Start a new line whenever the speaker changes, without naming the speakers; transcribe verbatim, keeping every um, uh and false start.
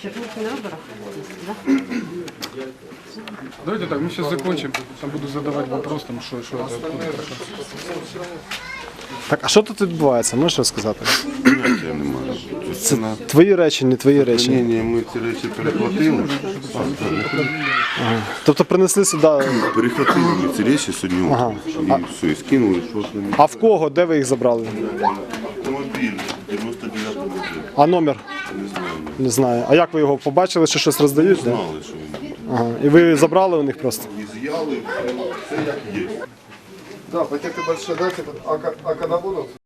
Черных не надо да?
Давайте так, мы сейчас закончим. Там буду задавать вопрос, там, что, что это, откуда прошло.
Так, а що тут відбувається? Можеш розказати?
Поняття немає.
Це твої речі, не твої речі.
Ні, ні, ми ці речі перехватили.
Тобто принесли сюди.
Перехватили ми ці речі сьогодні
Ага.
утром. І все, і скинули, що з ними.
А в кого? Де ви їх забрали?
Автомобіль дев'яносто дев'ятого року.
А номер?
Не знаю, не
Не знаю. А як ви його побачили, що щось роздають? Да?
знали, що він.
Ага. І ви забрали у них просто?
І з'яли, все як є.
Да, пакеты большие, да, типа, а, ка- а когда будут?